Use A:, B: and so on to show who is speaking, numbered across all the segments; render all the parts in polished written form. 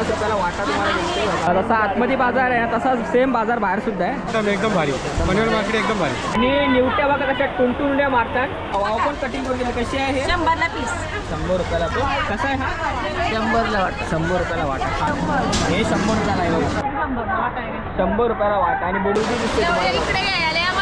A: रुपयाला वाटा तुम्हाला मिळते. जसा आतमध्ये बाजार आहे तसाच सेम बाजार बाहेर सुद्धा आहे.
B: एकदम भारी पनवेल मार्केट एकदम भारी.
A: आणि निवट्या बघा कशा टुनटुनड्या मारतात. वाव पण कटिंग करून दिली. कशी आहे?
C: 100ला पीस.
A: 100 रुपयाला. तो कसा आहे हा?
C: 100ला वाटा.
A: 100 रुपयाला वाटा. हे 100 रुपयाला आहे बघा. 100 रुपयाला वाटा. आणि बोडूची दिसते तुम्हाला.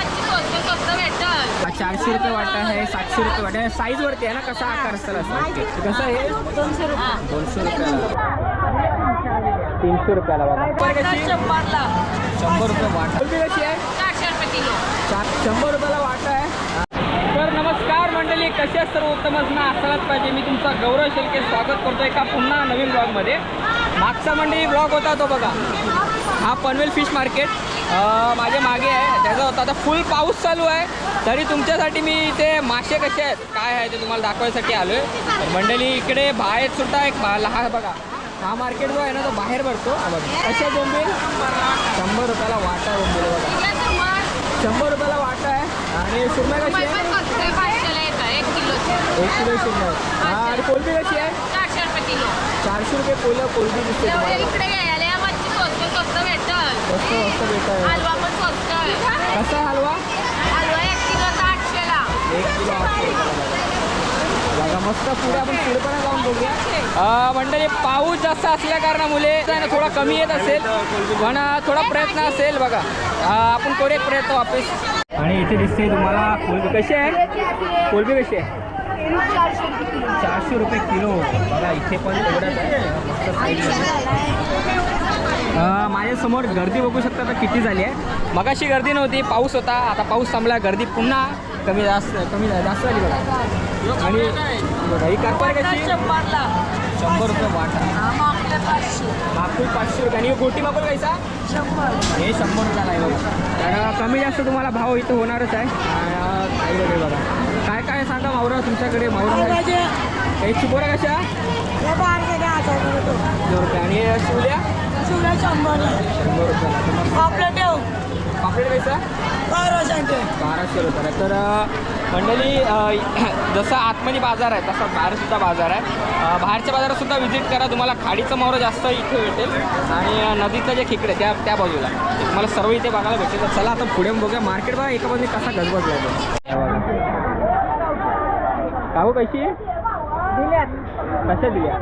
A: 400 रुपये वाटा आहे. 700 रुपये वाटा आहे. साईज वरती आहे ना कसा आकार असेल असं. कसं आहे?
C: 200 रुपये.
A: 200 रुपयाला. 300 रुपयाला बघा.
C: 100ला.
A: 100 रुपये वाटा. कोलंबी कशी आहे?
C: 400 रुपये किलो.
A: 100 रुपयाला वाटा आहे. तर नमस्कार मंडळी, कसे सर्व उत्तमच ना असायलाच पाहिजे. मी तुमचा गौरव शेळके स्वागत करतो एका पुन्हा नवीन ब्लॉगमध्ये. मागचा मंडळी ब्लॉग होता तो बघा, हा पनवेल फिश मार्केट माझ्या मागे आहे. त्याचा होता. आता फुल पाऊस चालू आहे तरी तुमच्यासाठी मी इथे मासे कसे आहेत काय आहे ते तुम्हाला दाखवायसाठी आलो आहे. तर मंडळी इकडे बाहेर सुद्धा एक लहान बघा, हा मार्केट जो आहे ना तो बाहेर भरतो. कसे बोंबील 100 रुपयाला वाटा. बोंबील बघा 100 रुपयाला वाटा आहे. आणि सुरमई कशी आहे? 1 किलो सुरमई. आणि कोलंबी कशी आहे?
C: 400 रुपये किलो.
A: 400 रुपये कोलंबी दिसते तुम्हाला.
C: इकडे यायला मच्छी स्वस्त भेटल.
A: स्वस्त भेटत आहे.
C: हलवा पण स्वस्त आहे.
A: कसा हलवा?
C: हलवा 1 किलो 800ला.
A: 1 किलो 800 रुपयाला बघा. मस्त पुढे आपण पुढेपणा जाऊन बघूया. मंडळी पाऊस जास्त असल्या कारणामुळे थोडा कमी येत असेल पण थोडा प्रयत्न असेल बघा. आपण करू एक प्रयत्न वापस. आणि इथे दिसते तुम्हाला कोलंबी. कशी आहे कोलंबी? कशी आहे? 400 रुपये किलो बघा. इथे पण तेवढंच आहे. मस्त साईज. माझ्यासमोर गर्दी बघू शकता आता किती झाली आहे. मगाशी गर्दी नव्हती, पाऊस होता. आता पाऊस थांबला, गर्दी पुन्हा कमी जास्त झाली बघा. आणि बघा ही कारपार कशी? 100 रुपये वाटा. माकूल 500 रुपये. आणि गोटी माकूल कैसा?
C: 100.
A: हे 100 रुपयाला आहे बघा. कारण कमी जास्त तुम्हाला भाव इथं होणारच आहे. काही वगैरे बघा काय काय सांगा मावरा तुमच्याकडे. मावरा काही चिपोऱ्या कशा? 100 रुपये. आणि शिवल्या 100 रुपयाला. पापलेट कैसा? 1200 रुपयाला. तर मंडळी जसं आतमध्ये बाजार आहे तसा बाहेरसुद्धा बाजार आहे. बाहेरच्या बाजारात सुद्धा व्हिजिट करा. तुम्हाला खाडीचं मावरं जास्त इथे भेटेल आणि नदीचं जे खेकडे त्या बाजूला तुम्हाला सर्व इथे बघायला भेटेल. तर चला आता पुढे बघूया मार्केट. बघा एका बाजूने कसा गजबजला आहे. काहू कशी कशा दिल्या?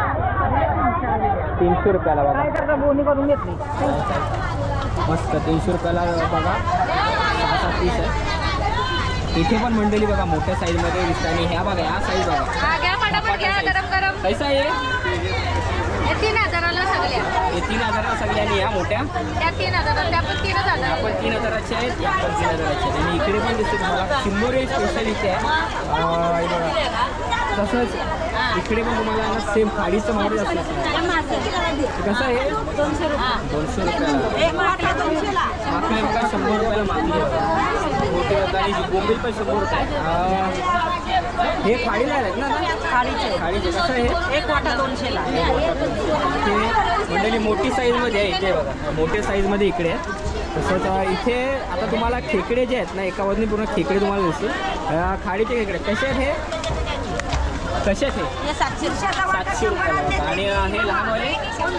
A: 300 रुपयाला बघा.
C: बोनी करून घेतली.
A: मस्त 300 रुपयाला बघा. 6-7 पीस आहे. इथे पण मंडळी बघा मोठ्या साईजमध्ये दिसते. आणि ह्या बघा ह्या साईज बघा. कैसा आहे?
C: 3000ला सगळ्या.
A: हे 3000ला सगळ्या. आणि ह्या मोठ्या
C: त्या 3000. त्या पण 3000.
A: आपण 3000च्या आहेत. या पण 3000च्या आहेत. आणि इकडे पण दिसते तुम्हाला चिंबोरी स्पेशल इथे आहे. बघा तसंच इकडे पण तुम्हाला ना सेम खाडीचं मावळे असतं. कसं आहे?
C: 200 रुपये.
A: 200 रुपयाला. माकले बघा 100 रुपयाला माकली मोठी बघा. आणि बोंबील पण 100 रुपये. हे खाडीला आहेत ना? खाडीचे. कसं आहे?
C: 1 वाटा 200ला.
A: इथे मंडळी मोठी साईजमध्ये आहे. इथे बघा मोठ्या साईजमध्ये इकडे आहे. तसंच इथे आता तुम्हाला खेकडे जे आहेत ना एका बाजूने पूर्ण खेकडे तुम्हाला दिसतील. खाडीचे खेकडे कसे आहेत? हे कसे आहेत? हे 700 रुपयाला. आणि हे लहानवाले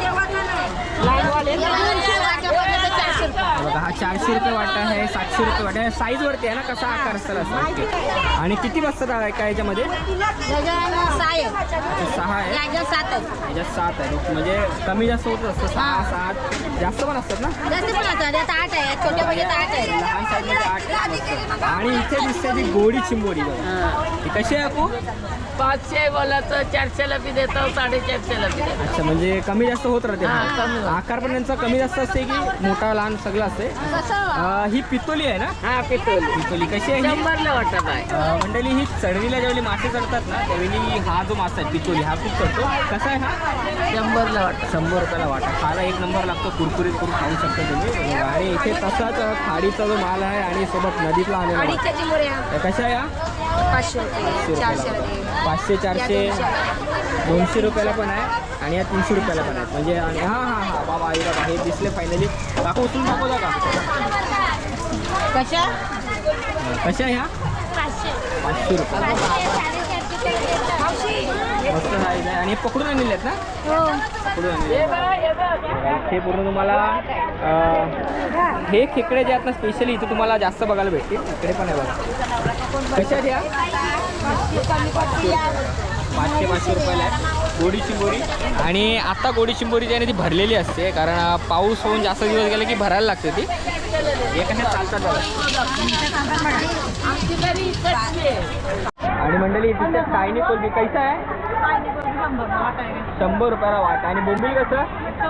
A: बघा. हा 400 रुपये वाटा आहे. 700 रुपये वाटा आहे. साईजवरती आहे ना कसा आकार असेल असं. आणि किती बसतात काय याच्यामध्ये? 6 आहे. याच्यात 7 आहे. म्हणजे कमी जास्त होत असतं. 6-7 जास्त पण असतात ना?
C: आठ आहे. छोट्या म्हणजे 8 आहे.
A: लहान साईजमध्ये 8 आहे. आणि इथे दिसते ती गोडी चिंबोरी बघा. ती कशी आहे आपू?
C: 500 बोला तर 400ला बी देतो, 450ला बी देतो.
A: अच्छा म्हणजे कमी जास्त होत राहते. आकार पण त्यांचा कमी जास्त असते की मोठा लहान सगळं असते. ही पितोली आहे ना?
C: हा
A: पितोली कशी आहे?
C: 100ला वाटत आहे.
A: मंडळी ही चढणीला ज्यावेळी मासे चढतात ना त्यावेळी हा जो मासा आहे पितोली हा खूप चढतो. कसा आहे हा?
C: 100ला वाटत.
A: 100 रुपयाला वाटा. खायला 1 नंबर लागतो. कुरकुरीत करून खाऊ शकता तुम्ही. आणि इथे तसाच खाडीचा जो माल आहे आणि सोबत नदीतला आलेला. कशा आहे?
C: 500
A: 500-400 200 रुपयाला पण आहे. आणि या 300 रुपयाला पण आहेत. म्हणजे हां बाबा हे दिसले फायनली. काका उचलून दाखवता का?
C: कशा?
A: ह्या 500 रुपये. मस्त साईज आहे आणि पकडून आणलेले आहेत ना? पकडून आणलेले आहेत. हे पूर्ण तुम्हाला हे खेकडे जे आहेत ना स्पेशली इथे तुम्हाला जास्त बघायला भेटतील. इकडे पण आहे बघा. कशा आहेत या? 500 रुपयाला आहे गोडी चिंबोरी. आणि आता गोडी चिंबोरी जी आहे ती भरलेली असते, कारण पाऊस होऊन जास्त दिवस गेले की भरायला लागते ती. हे कशा चालतात बघा. आणि मंडळी तिथे चायनी कोलबी कैसा आहे? 100 रुपयाला वाटा. आणि बोंबील कसं?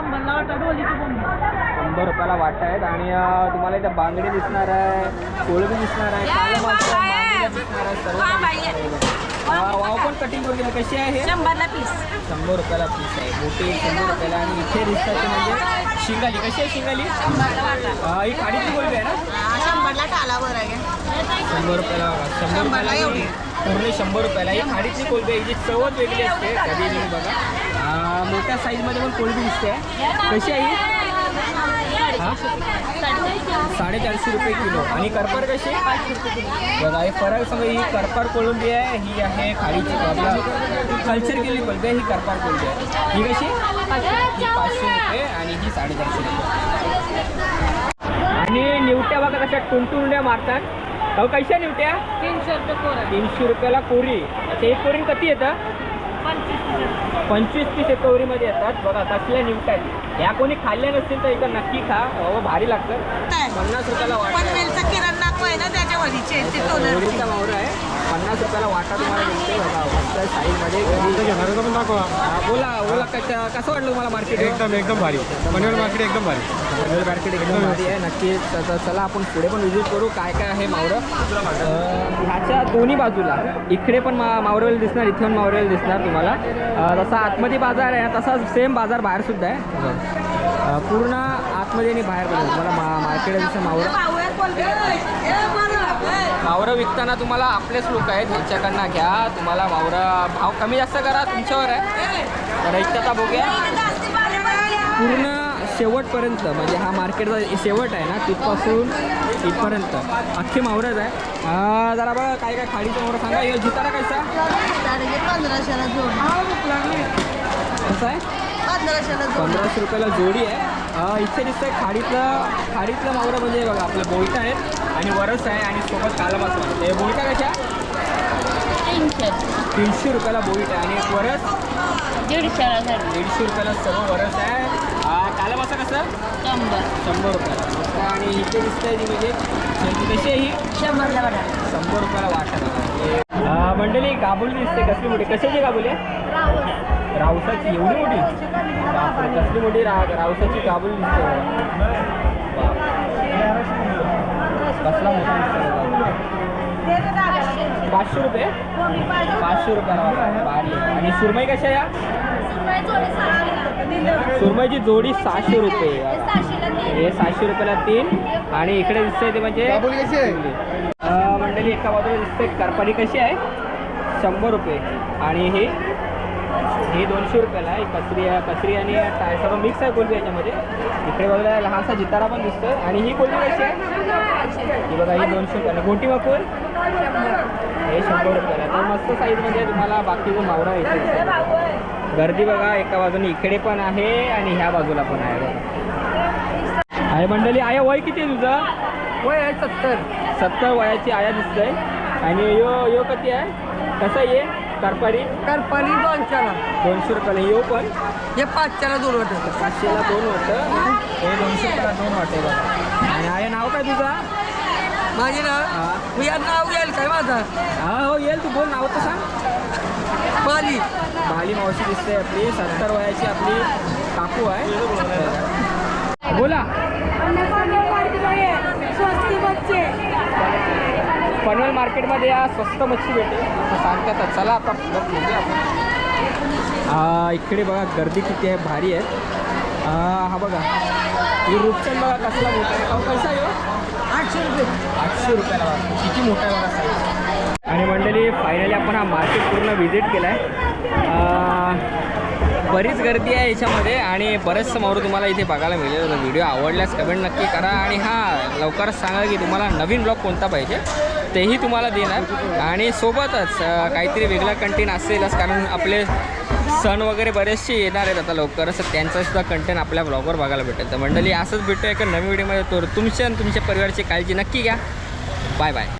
A: 100 रुपयाला वाटा आहेत. आणि तुम्हाला इथं बांगडी दिसणार आहे, कोळबी दिसणार आहे, काळं मासा, मांदेली दिसणार आहे, सर्व वाव पण कटिंग करून दिली. कशी आहे?
C: 100 पीस.
A: 100 रुपयाला पीस आहे. मोठी 100 रुपयाला. आणि इथे दिसतात ते म्हणजे शिंगाली. कशी आहे शिंगाली? ही खाडीची कोलबी आहे ना?
C: 100 टालावर आहे.
A: 100 रुपयाला. 100 रुपयाला एवढी पूर्ण 100 रुपयाला. ही खाडीची कोलबी आहे, हिची चवच वेगळी असते. कधी तुम्ही बघा मोठ्या साईजमध्ये पण कोलबी दिसते. कशी आहे ही? 450 रुपये किलो. आणि करपार कशी? बघा हे फरक समजा. ही करपार कोलंबी आहे, ही आहे खाडीची आपला कल्चर केलेली कोलंबी आहे. ही करपार कोलंबी आहे. ही कशी? ही 500 रुपये आणि ही 450 रुपये. आणि निवट्या बघा कशा टुंटुंड्या मारतात. अहो कशा निवट्या?
C: 300 रुपये कोरा.
A: 300 रुपयाला कोरी. अच्छा एक कोरी किती येतं? 25-30 कोरीमध्ये येतात. बघा कसल्या निवट्या आहेत. ह्या कोणी खाल्ल्या नसतील तर इथं नक्की खा. बाहेर लागतं. 50 रुपयाला वाटा.
C: पनवेलचा किराणा नाकू आहे ना त्याच्या वडीचे ते
A: कोरीचा मावरा आहे. 50 रुपयाला वाटा तुम्हाला मिळते. बघा मस्त साईजमध्ये.
B: पण दाखवा.
A: बोला बोला कसं वाटलं तुम्हाला मार्केट?
B: एकदम भारी. पनवेल मार्केट एकदम भारी.
A: पनवेल मार्केट एकदम भारी आहे. नक्कीच चला आपण पुढे पण व्हिजिट करू काय काय आहे मावरं. ह्याच्या दोन्ही बाजूला इकडे पण मावरवेल दिसणार, इथे पण मावरवेल दिसणार तुम्हाला. जसा आतमध्ये बाजार आहे तसा सेम बाजार बाहेर सुद्धा आहे. पूर्ण आतमध्ये आणि बाहेर पण तुम्हाला मार्केट आहे जसं मावरं विकताना तुम्हाला आपलेच लोक आहेत ह्यांच्याकडनं घ्या. तुम्हाला मावरं भाव कमी जास्त करा तुमच्यावर आहे. तर इथं आता बघूया पूर्ण शेवटपर्यंत म्हणजे हा मार्केटचा शेवट आहे ना तिथपासून इथपर्यंत अख्खी मावरच आहे. जरा बघा काय काय खाडीचं मावरं सांगा. हे जितारा कसा?
C: 1500ला जोडी.
A: कसं आहे? 1500 रुपयाला जोडी आहे. इथे दिसतंय खाडीतलं मावरं म्हणजे बघा आपलं बोईट आहेत आणि वरस आहे आणि सोबत काला मसाला. हे बोईटा कशा? 300 रुपयाला बोईट आहे. आणि एक वरस 150 रुपयाला सर्व वरस आहे. काला मासा कसं? 100 रुपयाला. आणि इथे दिसतंय ती म्हणजे कशी आहे ही? 100 रुपयाला वाटा. मंडळी गाबुली दिसते कसली मोठी. कशाची गाबुली आहे? रावसाची. एवढी मोठी? कसली मोठी रावसाची गाबुली दिसते. कसला मोठा दिसतो. 500 रुपये. 500 रुपयाला भारी. आणि सुरमई कशा या? सुरमईची जोडी 600 रुपये. हे 600 रुपयाला 3. आणि इकडे दिसतंय ते म्हणजे मंडळी एका बाजूला दिसतंय करपारी. कशी आहे? 100 रुपये. आणि हे 200 रुपयाला आहे. कचरी आणि सर्व मिक्स आहे कोलबी याच्यामध्ये. इकडे बाजूला लहानसा जितारा पण दिसतोय. आणि ही कोलबी कशी आहे? ही बघा ही 200 रुपयाला. गोटी मकूर हे 100 रुपयाला. तर मस्त साईजमध्ये तुम्हाला बाकीचं मावरा येते. गर्दी बघा एका बाजूने इकडे पण आहे आणि ह्या बाजूला पण आहे. बघा आहे मंडळी. आया वय किती आहे तुझं?
C: वय आहे 70
A: वयाची आया दिसतंय. आणि यो किती आहे? कसं ये करपारी?
C: 200
A: रुपयाला. यो पण
C: हे 500ला 2 वाटतं.
A: 500ला 2 होतं. हे 200 रुपयाला 2 वाटे. बघा. आणि आया नाव काय तुझं?
C: माझे नाव या नाव येईल काय माझं?
A: हो येईल. तू बोल नाव तर सांग. भाली मावशी दिसते आपली. 70 वयाची आपली काकू आहे. बोला. पनवेल मार्केटमध्ये या स्वस्त मच्छी भेटेल सांगतात. चला आता बघूया आपण. इकडे बघा गर्दी किती आहे. भारी आहे. हा बघा ही रूपचंद बघा कसला मोठा आहे. कसा आहे?
C: 800 रुपये.
A: 800 रुपयाला. किती मोठा आहे बघा साईज. आणि मंडळी फायनली आपण हा मार्केट पूर्ण व्हिजिट केला आहे. बरीच गर्दी आहे याच्यामध्ये आणि बरेचसं मावरं तुम्हाला इथे बघायला मिळेल. व्हिडिओ आवडल्यास कमेंट नक्की करा. आणि लवकरच सांगा की तुम्हाला नवीन ब्लॉग कोणता पाहिजे. तेही तुम्हाला देणार आणि सोबतच काहीतरी वेगळं कंटेंट असेलच, कारण आपले सण वगैरे बरेचसे येणार आहेत आता लवकरच, तर त्यांचासुद्धा कंटेंट आपल्या ब्लॉगवर बघायला भेटेल. तर मंडळी असंच भेटूया एका नवीन व्हिडिओमध्ये. तर तुमच्या आणि तुमच्या परिवाराची काळजी नक्की घ्या. Bye bye.